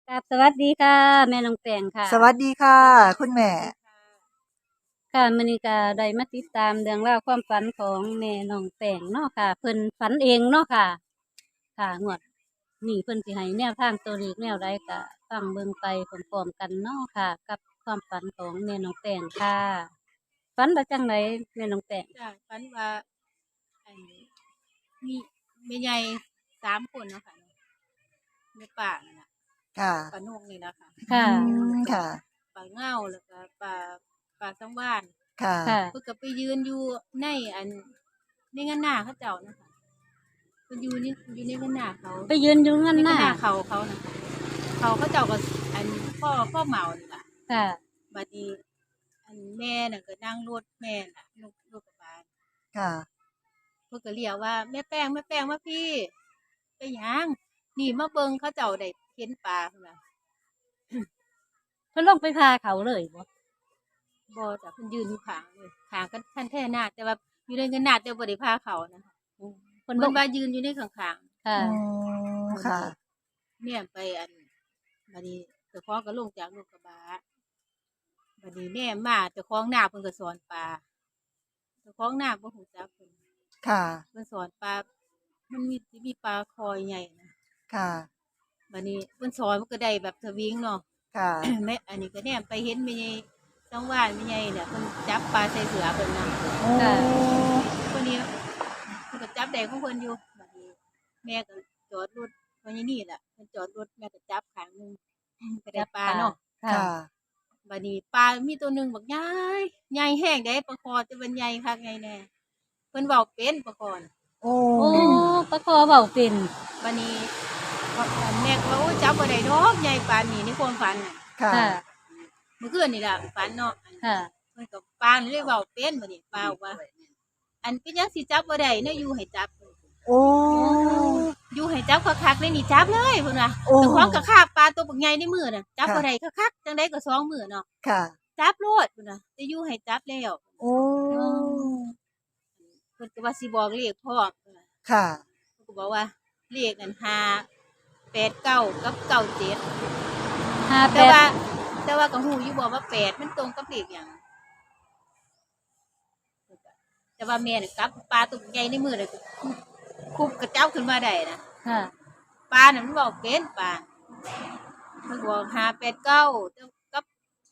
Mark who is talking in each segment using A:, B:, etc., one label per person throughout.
A: ครับสวัสดีค่ะแม่น้องแป้งค่ะ
B: สวัสดีค่ะคุณแม่
A: ค่ะมื้อนี้ก็ได้มาติดตามเรื่องราวความฝันของแม่น้องแป้งเนาะค่ะเพิ่นฝันเองเนาะค่ะค่ะงวดนี้เพิ่นสิให้แนวทางตัวเลขแนวใดก็ฟังเบิ่งไปพร้อมๆกันเนาะค่ะ กับความฝันของแม่น้องแป้งค่ะฝันว่าจังไดแม่น้องแป้ง
C: จ้ะฝันว่าอันมีแม่ใหญ่3 คนเนาะค่ะแม่ป้านั่นน่ะ
B: ค่ะ
C: ป้านกนี่ล่ะค่ะ
A: ค่ะ
B: ค่ะ
C: ป้าเง่าแล้วก็ป้าสังวาน
B: ค่ะ
A: ค่ะ
C: เพิ่นก็ไปยืนอยู่ในในงานนาเขาเจ้านะคะเพิ่นอยู่ในงานนาเขา
A: ไปยืนอยู่งั้น
C: ในงาน
A: น่ะ
C: นาเขาน่ะค่ะเขาเจ้าก็พ่อเหมานี่ล่ะ
A: ค่ะ
C: บัดนี้แม่น่ะก็นั่งรถแม่น่ะรถกระบะ
B: ค่ะ
C: เพิ่นก็เรียกว่าแม่แป้งมาพี่ไปหยังนี่มาเบิ่งเขาเจ้าได้เห็นปลาพุ่นน่ะ
A: เพิ่นลงไปพาเขาเลยบ่
C: บ่จ้ะเพิ่นยืนอยู่ข้างเลยข้างกันคันแท้นาแต่ว่าอยู่ในเงินนาแต่บ่ได้พาเขานะคะ
A: เพิ่น
C: เพิ่
A: ลง
C: นว่ายืนอยู่ในข้าง
A: ค่ะ
C: ๆ
B: ค่ะ
C: เนี่ยไปบัดนี้เจ้าของก็ลงจากรถกระบะบัดนี้แม่มาเจ้าของนาเพิ่นก็สอนปลาเจ้าของนาบ่ฮู้จักเพิ่น
B: ค่ะ
C: เพิ่นสอนปลามันสิมีปลาคอยใหญ่นะ
B: ค่ะ
C: บัดนี้เพิ่นสอนมันก็ได้แบบสวิงเนาะ
B: ค่ะ
C: แม่อันนี้ก็แนมไปเห็นแม่ใหญ่จังหว่านแม่ใหญ่เนี่ยเพิ่นจับปลาใส่เสือเพิ่นนะ
B: โอ้
A: ค่ะ
C: คนนี้เพิ่นก็จับได้ของเพิ่นอยู่บัดนี้แม่ก็จอดรถเพราะนี่แหละเพิ่นจอดรถแม่ก็จับข้างหนึงก็ได้ปลาเนาะ
A: ค่ะ
B: ค่ะ
C: บัดนี้ปลามีตัวหนึงบักใหญ่แห้งได้ปลาคอแต่มันใหญ่คักใหญ่แน่เพิ่นเว้าเป็นปลาคอน่ะ
B: โอ้
A: โอ้ปะคอเว้าเป็น
C: บัดนี้แม่ก็ว่าโอ้จับบ่ได้ดอกใหญ่ปานนี้ในความฝันน่ะ
B: ค่ะ
A: ค่ะ
C: เมื่อคืนนี่ล่ะฝันเนาะ
A: ค่ะ
C: เพิ่นก็ปลานี่เลยเว้าเป็นบัดนี้ปลาบอกว่าอันเป็นหยังสิจับบ่ได้เนาะอยู่ให้จับ
B: โอ้
C: อยู่ให้จับคักๆเลยนี่จับเลยเพิ่นว่า
B: โอ้
C: เจ้าของก็คาบปลาตัวบักใหญ่ในมือน่ะจับ
B: ค่ะ
C: บ่ได้คักๆจังได๋ก็2มื้อเนาะ
B: ค่ะ
C: จับโลดเพิ่นว่าแต่อยู่ให้จับแล้ว
B: โอ้
C: เพิ่นก็ว่าสิบอกเลขพร้อมเพิ่นว่า
B: ค่ะ
C: เพิ่นก็บอกว่าเลขนั่น589กับ97
A: ห้าแป
C: แต่ว่า
A: ด
C: แต่ว่าก็ฮู้อยู่บ่ว่า8มันตรงกับเลขหยังแต่ว่าแม่น่ะจับปลาตัวบักใหญ่ในมือน่ะคุบกระเจ้าขึ้นมาได้นะ
A: ค่ะ
C: ปลาน่ะมันบอกเป็นปลามันบอก589กับ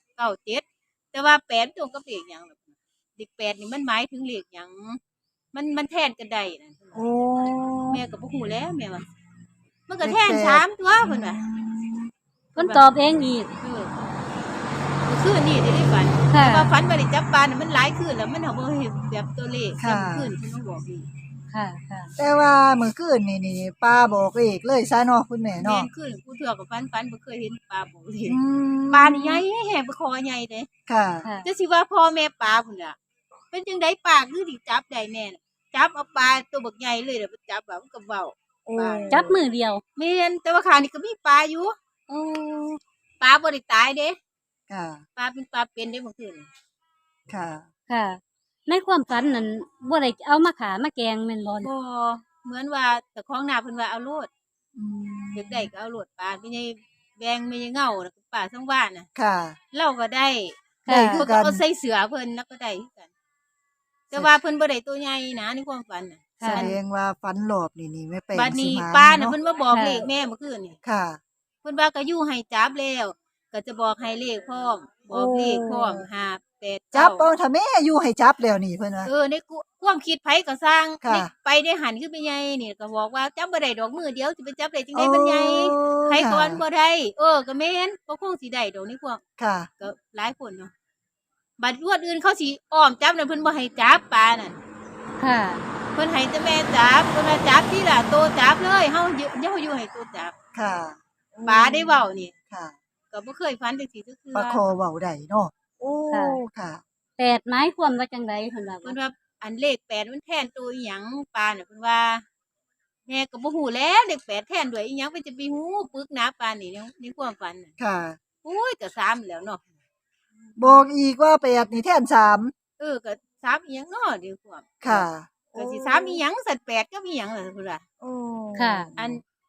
C: 97แต่ว่า8มันตรงกับเลขหยังล่ะเลข8นี่มันหมายถึงเลขหยังมันแทนกันได้นั่นเพิ่น
B: โอ้
C: ว่าแม่ก็บ่ฮู้แหล้วแม่ว่ามันก็แทน
B: เลขแปด
C: สามตัวเพิ่นว่า
A: เพิ่นตอบเองอีก
C: เออเมื่อคืนนี่ได้ฝัน
A: ค่ะ
C: แต่ว่าฝันว่าได้จับปลาน่ะมันหลายคืนแล้วมันเอาบ่เห็นแบบตัวเลข
B: ค่ะ
C: แต่เมื่อคืนเพิ่นมาบอกอีก
A: ค่ะ ค่ะ
B: แต่ว่าเมื่อคืนนี่ป้าบอกเลขเลยซะเนาะคุณแม่
C: แม่
B: เนาะ
C: นคืนผู้เทื่อก็ฝันบ่เคยเห็นปลาบอกเลข
B: อืม
C: ปลานี่ใหญ่แฮงไปคอใหญ่เด้
B: ค่ะ
A: ค่ะ
C: จะสิว่าพ่อแม่ปลาพุ่นล่ะเป็นจังได๋ปลาคือสิจับได้แน่น่ะจับเอาปลาตัวบักใหญ่เลยเดี๋ยวไปจับว่ามันก็เว้า
B: โอ้
C: ปลา
A: จับมือเดียว
C: แม่นแต่ว่าข้างนี้ก็มีปลาอยู่
A: โอ้
C: ปลาบ่ได้ตายเด้
B: ค่ะ
C: ปลาเป็นปลาเป็นเด้เมื่อคืนนี่
B: ค่ะ
A: ค่ะ ในความฝันนั้นบ่ได้เอามาขามาแกงแม่นบ่
C: บ่เหมือนว่าเจ้าของนาเพิ่นว่าเอาโลด
B: อืม
C: อยากได้ก็เอาโลดปลาไม่ใช่แบงไม่ใช่เงาน่ะปลาทั้งบ้านน่ะ
B: ค่ะ
C: เราก็ได้
B: ได้
A: ค่ะ
B: คื
C: เพิ่
B: อน กั
C: ก็
B: น
C: เอาใส่เสือเพิ่นแล้วก็ได้คือกัน แต่ว่าเพิ่นบ่ได้ตัวใหญ่นะในความฝันน่ะ
B: แสดงว่าฝันหลอบนี่ไม่เป็น
C: บัดนี้
B: สิมา
C: ปลาน่ะ
B: เนาะ
C: เพิ่นมาบอกเลขแม่เมื่อคืนนี่
B: ค่ะ
C: เพิ่นว่าก็อยู่ให้จับแล้ว ก็จะบอกให้เลขพร้อมบอกเลขพร้อม5 8
B: จับเอา
C: 9
B: ถ้าแม่อยู่ให้จับแล้วนี่เพิ่นว่า
C: ในความคิดไผก็สร้าง
B: ค่ะ
C: ในไปได้หันขึ้นไปใหญ่นี่ก็บอกว่าจับบ่ได้ดอกมือเดียวสิไปจับได้จังได๋มันใหญ่ ไผก่อนบ่ได้ก็แม่นบ่คงสิได้ดอกนี่พวก
B: ค่ะ
C: ก็หลายคนเนาะบัดรวดอื่นเขาสิอ้อมจับน่ะเพิ่นบ่ให้จับปลานั่น
A: ค่ะ
C: เพิ่นให้แต่แม่จับเพิ่นว่าจับที่ล่ะโตจับเลยเฮาอยู่ให้โตจับ
B: ค่ะ
C: ปลาได้เว้านี่
B: ค่ะ
C: ก็บ่เคยฝันจังซี่จักเทื่
B: ปลา
C: อ
B: คอเว้าได้เนาะโอ้
A: ค่ะ
B: ค่ะ
A: แปดหมายความว่าจังไดเพิ่นว่า
C: เพิ่นว่าอันเลข8มันแทนตัวอีหยังปลาน่ะเพิ่นว่าแม่ก็บ่ฮู้แหล้วเลข8แทนด้วยอีหยังเพิ่นจะไปฮู้ปึกหนาปานนี้ในความฝันน่ะ
B: ค่ะ
C: โอ้ยก็3แล้วเนาะ
B: บอกอีกว่า8นี่แทน3
C: ก็3อีหยังเนาะเดี๋ยวความ
B: ค่ะ
C: ก็สิ3อีหยังสัตว์8ก็มีหยังล่ะพุ่นล่ะ
B: โอ้
A: ค่ะ
C: อันก็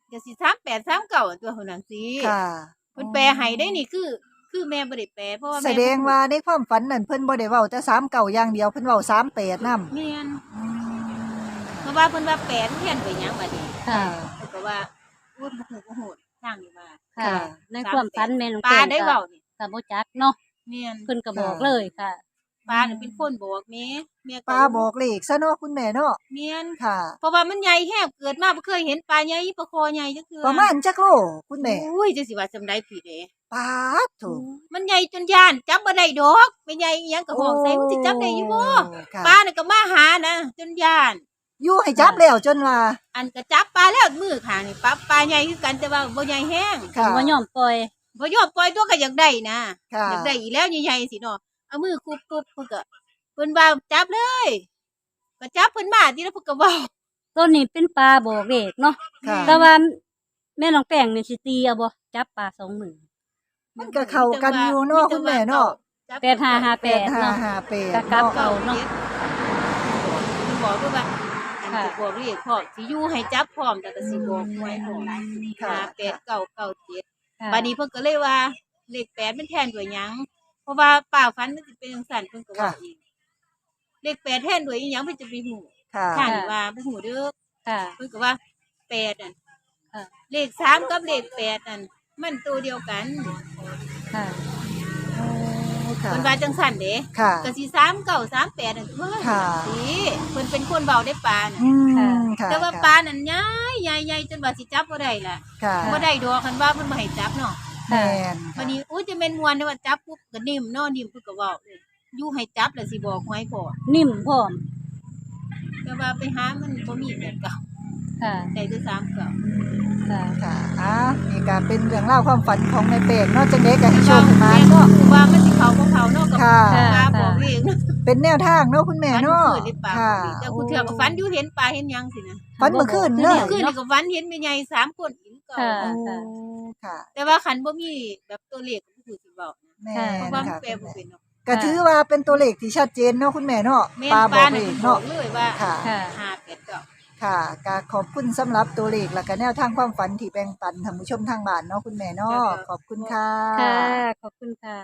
C: ก็สิ38 39ตัวเท่านั้นสิ
B: ค่ะ
C: เพิ่นแปลให้ได้นี่คือแม่บ่ได้แปลเพราะว่า
B: แส
C: แม่
B: ดงว่าในความฝันนั่นเพิ่นบ่ได้เว้าแต่39อย่างเดียวเพิ่นเว้า38นำ
C: แม่นเพราะว่าเพิ่นว่าแปลเพี้ยนไปหยังบัดนี้
A: ค่ะ
C: เพิ่นก็ว่าพูดบ่ฮู้ทางนี้ว่า
A: ค่ะ
B: ค่ะ
A: ในความฝันแม่น้อง
C: ป้า
A: แป้ง
C: ได้
A: ก็
C: เว้านี่
A: ก็บ่จักเนาะ
C: แม่น
A: เพิ่นก็บอกเลยค่ะ
C: ป้าน่ะเป็นคนบอกแม่ก็
B: ป้าบอกเลขซะเนาะคุณแม่เนาะ
C: แม่น
B: ค่ะ
C: เพราะว่ามันใหญ่แฮบเกิดมาบ่เคยเห็นปลาใหญ่ปลาคอใหญ่จักเทื่อ
B: ประมาณจักโลคุณแม่
C: อุ้ยจังสิว่าจำได้ผิดเด้
B: ปาดโถ
C: มันใหญ่จนย่านจับบ่ได้ดอกไม่ใหญ่อีหยังก็ห้องใส่มันสิจับได้อยู่บ่
B: ค่ะ
C: ปลาน่ะก็มาหานะจนย่าน
B: อยู่ให้จับแล้วจนว่า
C: อันก็จับปลาแล้วมือข้างนี่ปลาใหญ่คือกันแต่ว่าบ่ใหญ่แฮง
B: ค่ะ
A: บ่ยอมปล่อย
C: บ่ยอมปล่อยตัวก็อยากได้นะ
B: ค่ะ
C: อยากได้อีกแล้วใหญ่ๆสิเนาะเอามือคุบๆเพิ่นก็เพิ่นว่าจับเลยก็จับเพิ่นมาทีละเพิ่นก็เว้า
A: ต้นนี้เป็นปลาบอกเลขเนาะ
B: ค่ะ
A: แต่ว่าแม่น้องแป้งนี่สิตีเอาบ่จับปลา2มือ
B: มันก็เข้ากันอยู่เนาะคุณแม่เนาะ
C: จับ
A: 8558เนาะ
B: 8558
A: กะกลับ
B: เนาะ
A: เอาเนาะ
C: เพิ่นบอกด้วยว่าอัน
A: ค่ะ
C: สิบอกเลขพร้อมสิอยู่ให้จับพร้อมแต่ก็สิบอกหวยพร้อม
B: ค่ะ
C: 58 997บัดนี้เพิ่นก็เลยว่าเลข8มันแทนด้วยหยังเพราะว่าป้าฝันมันสิเป็นจังซั่นเพิ่นก็ว่าอีกเลข8แทนด้วยอีหยังเพิ่นจะไปฮู้
B: ค่ะ
C: ข้างว่าบ่ฮู้เด้อ
A: ค่ะ
C: เพิ่นก็ว่า8นั่น
A: ค่ะ
C: เลข3กับเลข8นั่นมันตัวเดียวกัน
A: ค่ะ
B: ค่ะ
C: เพิ่นว่าจังซั่นเด้
B: ค่ะ
C: ก็สิ3938นั่นตัว
B: ค่ะ
C: สิเพิ่นเป็นคนเว้าได้ปลาน่ะ
B: อืม
A: ค่ะ
B: ค่ะ
C: แต่ว่าปลานั่นใหญ่ใหญ่จนว่าสิจับบ่ได้ล่ะ
B: ค่ะ
C: บ่ได้ดอกคันว่าเพิ่นบ่ให้จับเนาะ
B: แม่น
C: วันนี้อุ้ยจะแม่นม่วนเด้อว่าจับปุ๊บก็นิ่มเนาะนิ่มเพิ่นก็เว้าเลยอยู่ให้จับแล้วสิบอกหวยพอ
A: นิ่มพร้อม
C: แต่ว่าไปหามันบ่มีแบบเก่า
A: ค่ะ
C: ได้แต่3เก่า
A: ค่ะ
B: ค่ะนี่ก็เป็นเรื่องเล่าวความฝันของแม่แป้งเนาะจังได๋ก็ให้โชคให้มา
C: แม่
B: เนาะ
C: รู้ว่ามันสิเข้าบ่เข้าเนาะกับ
B: ค่ะ
C: ปลาบอกเอง
B: เป็นแนวทางเนาะคุณแม่
C: ฝัน
B: เนาะ
C: คืนได้ปลา
B: ค่ะ
C: แต่กูเถื่อก็ฝันอยู่เห็นปลาเห็นหยังสินะ
B: ฝันเมื่อคืนเล
C: คื
B: ย
C: นนี่ก็ฝันเห็นแม่ใหญ่3คนอีกเก่า
A: ค่ะ
B: โอ้ค่ะ
C: แต่ว่าคันบ่มีแบบตัวเลขก็บ่ฮู้สิเว้านะ
B: แม่
C: เพราะ
B: น
C: ว่ามัน
B: ค่ะ
C: แปลบ่เป็นเนาะ
B: ก็ถือว่าเป็นตัวเลขที่ชัดเจนเนาะคุณแม่เนาะ
C: แม่น
B: ปลา
C: ป
B: บอ
C: ลาก
B: เล
C: น่ะ
B: ข
C: บอ
B: เนาะ
C: กเลยว่า
B: ค่ะ
A: ค่ะ
C: 5 8 9
B: ค่ะก็ขอบคุณสำหรับตัวเลขแล้วก็แนวทางความฝันที่แบ่งปันท่านผู้ชมทางบ้านเนาะคุณแม่เนาะขอบคุณค่ะ
A: ค่ะ ขอบคุณค่ะ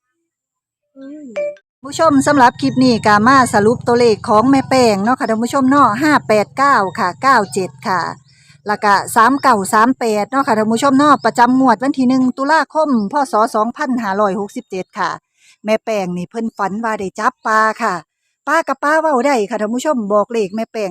B: ผู้ชมสำหรับคลิปนี้ก็มาสรุปตัวเลขของแม่แป้งเนาะค่ะท่านผู้ชมเนาะ589ค่ะ97ค่ะแล้วก็3938เนาะค่ะท่านผู้ชมเนาะประจำงวดวันที่1ตุลาคมพศ2567ค่ะแม่แป้งนี่เพิ่นฝันว่าได้จับปลาค่ะปลากับปลาเว้าได้ค่ะท่านผู้ชมบอกเลขแม่แป้ง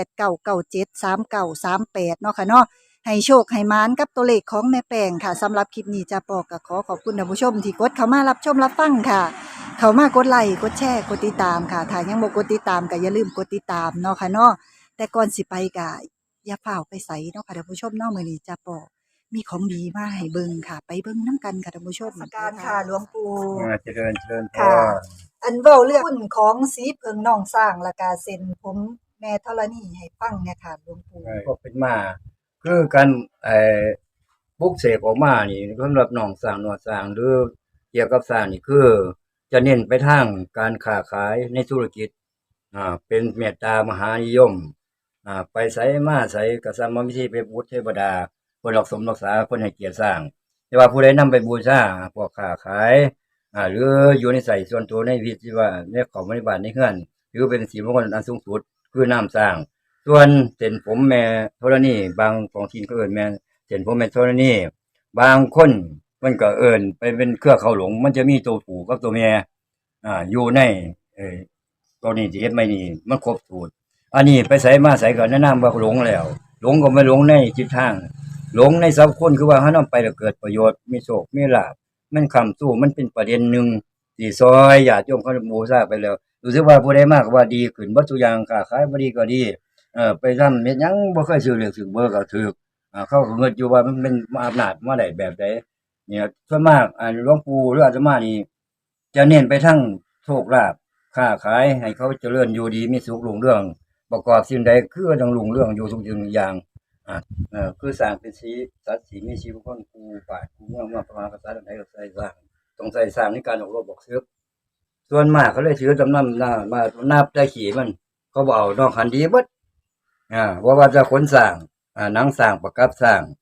B: 589973938เนาะค่ะเนาะให้โชคให้หมานกับตัวเลขของแม่แป้งค่ะสำหรับคลิปนี้จะปอกก็ขอขอบคุณท่านผู้ชมที่กดเข้ามารับชมรับฟังค่ะ เขามากดไลค์กดแชร์กดติดตามค่ะถ้ายังบ่กดติดตามก็อย่าลืมกดติดตามเนาะค่ะเนาะแต่ก่อนสิไปก็อย่าเฝ้าวไปไสเนาะค่ะท่านผู้ชมเนาะมื้อนี้จะปอมีของดีมาให้เบิ่งค่ะ ไปเบิ่งนํกันค่ะท่านผู้ชมการค่ะหลวงปู่
D: เจริญพ
B: ค่ะ
D: ร
B: อันเว้าเรื่องหุ้นของสีเพิงน้องสร้างแล้วก็เส้นผมแม่ธรณีให้ฟังเนี่ยค่ะหลวงปู่
D: ก็เป็นมา คือการปลุกเสกออกมานี่สำหรับน้องสร้างหนวดสร้างหรือเกี่ยวกับสร้างนี่คือ จะเน้นไปทางการค้าขายในธุรกิจเป็นเมตตามหานิยมไปไสมาไสก็สร้างมาวิธีไปบูชเทวดาเพิ่นรักสมรักษาเพิ่นให้เกียรติสร้าง แต่ว่าผู้ใดนำไปบูชาพวกค้าขายหรืออยู่ในใส่ส่วนตัวในวิธีว่าในของบริบาลในเฮือนถือเป็นสีมงคลอันสูงสุดคือน้ำสร้าง ส่วนเส้นผมแม่ธรณีบางของทีนก็เอิ้นแม่เส้นผมแม่ธรณีบางคนมันก็เอิ้นไปเป็นเครือเขาหลง มันจะมีตัวผู้กับตัวแม่อยู่ในตัวนี้ที่เฮ็ดไม่นี่มันครบสูตรอันนี้ไปไสมาไสก็แนะนำว่าหลงแล้ว หลงก็ไม่หลงในจิตทาง หลงในสัพคนคือว่าเฮานำไปแล้วเกิดประโยชน์มีโชคมีลาภมันค้ำสู้มันเป็นประเด็นหนึงที่ซอยญาติโยมเขาบูชาไปแล้วรู้สึกว่าผู้ใดมาก็ว่าดีขึ้นเบิดทุกอย่างค้าขายบ่ดีก็ดีไปทำเฮ็ดหยังบ่เคยซื้อเลขซื้อเบอร์ก็ถูกเขาก็เงิดอยู่ว่ามันเป็นอำนาจมาได้แบบใดเนี่ยส่วนมากหลวงปู่หรืออาตมานี่จะเน้นไปทางโชคลาภค้าขายให้เขาเจริญอยู่ดีมีสุขรุ่งเรืองประกอบสิ่งใดคือต้องรุ่งเรืองอยู่ทุกสิ่งทุกอย่างคือสร้างเป็นสีสัตว์สีมีชีวิตคนกูป่ากูเมืองประมาณภาษาใดก็ใส่สร้างต้องใส่สร้างในการออกรบบอกซึกส่วนมากเขาเลยถือจำนำมานับได้ขี่มันเขาบอกเอานอกคันดีเบิดว่าจะขนสร้างหนังสร้างประกับสร้าง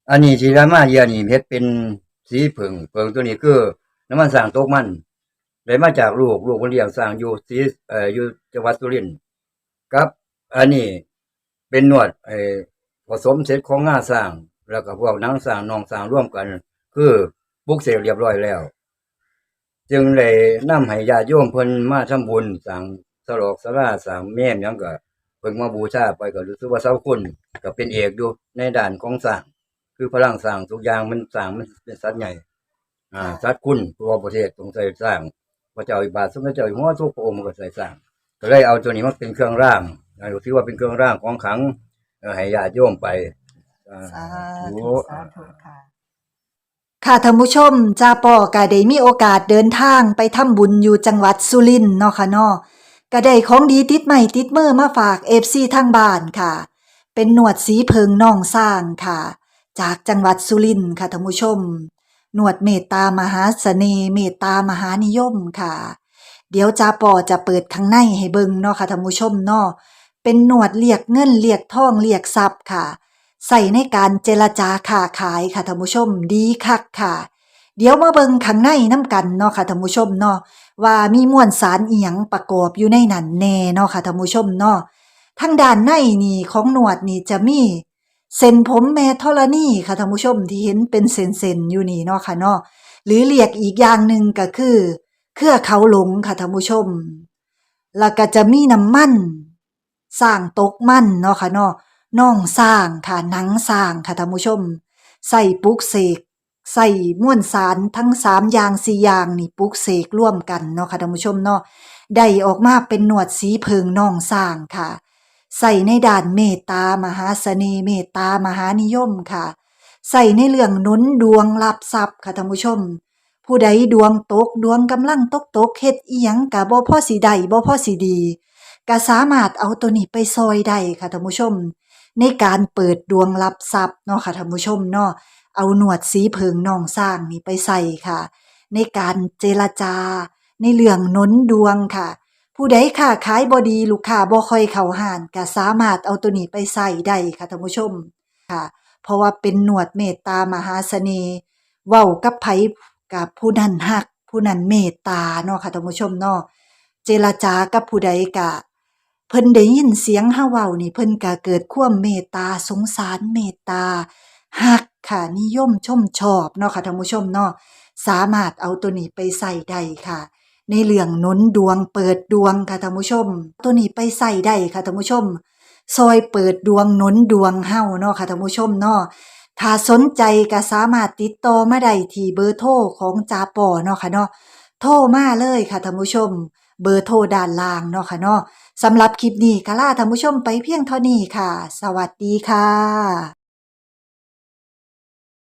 D: อันนี้ที่รามาเยียนี่เฮ็ดเป็นสีผึ่งตัวนี้คือน้ำมันสร้างตกมันได้มาจากลูกเพิ่นเลี้ยงสร้างอยู่ศรีอยู่จังหวัดสุรินทร์กับอันนี้เป็นนวดผสมเสร็จของงาสร้างแล้วก็พวกหนังสร้างน่องสร้างร่วมกัน คือปลุกเสกเรียบร้อยแล้ว จึงได้นำให้ญาติโยมเพิ่นมาทำบุญสร้างสลอกศาลาสร้างแม่นหยังก็เพิ่นมาบูชาไปก็รู้สึกว่าเสาคุณก็เป็นเอกอยู่ในด้านของสร้างคือพลังสร้างทุกอย่างมันสร้างมันเป็นสัตว์ใหญ่สัตว์คุณทั่วประเทศต้องใส่สร้างพระเจ้าอิบาทสมเด็จเจ้าอยู่หัวทุกพระองค์ก็ใส่สร้างก็เลยเอาตัวนี้มาเป็นเครื่องร่างถือว่าเป็นเครื่องร่างของขลังให้ญาติโยมไป
B: สาธุสาธุค่ะค่ะท่านผู้ชมจ้าป่อก็ได้มีโอกาสเดินทางไปทำบุญอยู่จังหวัดสุรินทร์เนาะค่ะเนาะก็ได้ของดีติดไม้ติดมือมาฝาก FC ทางบ้านค่ะเป็นหนวดสีเพิงน่องสร้างค่ะจากจังหวัดสุรินทร์ค่ะท่านผู้ชมหนวดเมตตามหาเสน่ห์เมตตามหานิยมค่ะเดี๋ยวจ้าป่อจะเปิดข้างในให้เบิ่งเนาะค่ะท่านผู้ชมเนาะเป็นหนวดเรียกเงินเรียกทองเรียกทรัพย์ค่ะใส่ในการเจรจาค้าขายค่ะท่านผู้ชมดีคักค่ะเดี๋ยวมาเบิ่งข้างในน้ำกันเนาะค่ะท่านผู้ชมเนาะว่ามีมวลสารอีหยังประกอบอยู่ในนั้นแน่เนาะค่ะท่านผู้ชมเนาะทางด้านในนี่ของหนวดนี่จะมีเส้นผมแม่ธรณีค่ะท่านผู้ชมที่เห็นเป็นเส้นๆอยู่นี่เนาะค่ะเนาะหรือเรียกอีกอย่างหนึ่งก็คือเครือเขาหลงค่ะท่านผู้ชมแล้วก็จะมีน้ำมันสร้างตกมันเนาะค่ะเนาะน่องสร้างค่ะหนังสร้างค่ะท่านผู้ชมใส่ปลุกเสกใส่มวลสารทั้ง3อย่าง4อย่างนี่ปลุกเสกร่วมกันเนาะค่ะท่านผู้ชมเนาะได้ออกมาเป็นหนวดสีเพิงน่องสร้างค่ะใส่ในด้านเมตตามหาเสน่ห์เมตตามหานิยมค่ะใส่ในเรื่องหนุนดวงรับทรัพย์ค่ะท่านผู้ชมผู้ใดดวงตกดวงกำลังตกเฮ็ดอีหยังก็บ่พอสิได้บ่พอสิดีก็สามารถเอาตัวนี้ไปซอยได้ค่ะท่านผู้ชมในการเปิดดวงรับทรัพย์เนาะค่ะท่านผู้ชมเนาะเอาหนวดสีเพิงน่องสร้างนี่ไปใส่ค่ะในการเจรจาในเรื่องหนุนดวงค่ะผู้ใดค้าขายบ่ดีลูกค้าบ่ค่อยเข้าห้านก็สามารถเอาตัวนี้ไปใส่ได้ค่ะท่านผู้ชมค่ะเพราะว่าเป็นหนวดเมตตามหาเสน่ห์เว้ากับไผกับผู้นั้นฮักผู้นั้นเมตตาเนาะค่ะท่านผู้ชมเนาะเจรจากับผู้ใดก็เพิ่นได้ยินเสียงเฮาเว้านี่เพิ่นก็เกิดความเมตตาสงสารเมตตาฮักค่ะนิยมชมชอบเนาะค่ะท่านผู้ชมเนาะสามารถเอาตัวนี้ไปใส่ได้ค่ะในเรื่องหนุนดวงเปิดดวงค่ะท่านผู้ชมตัวนี้ไปใส่ได้ค่ะท่านผู้ชมซอยเปิดดวงหนุนดวงเฮาเนาะค่ะท่านผู้ชมเนาะถ้าสนใจก็สามารถติดต่อมาได้ที่เบอร์โทรของจาปอเนาะค่ะเนาะโทรมาเลยค่ะท่านผู้ชมเบอร์โทรด้านล่างเนาะค่ะเนาะสำหรับคลิปนี้ก็ลาท่านผู้ชมไปเพียงเท่านี้ค่ะสวัสดีค่ะ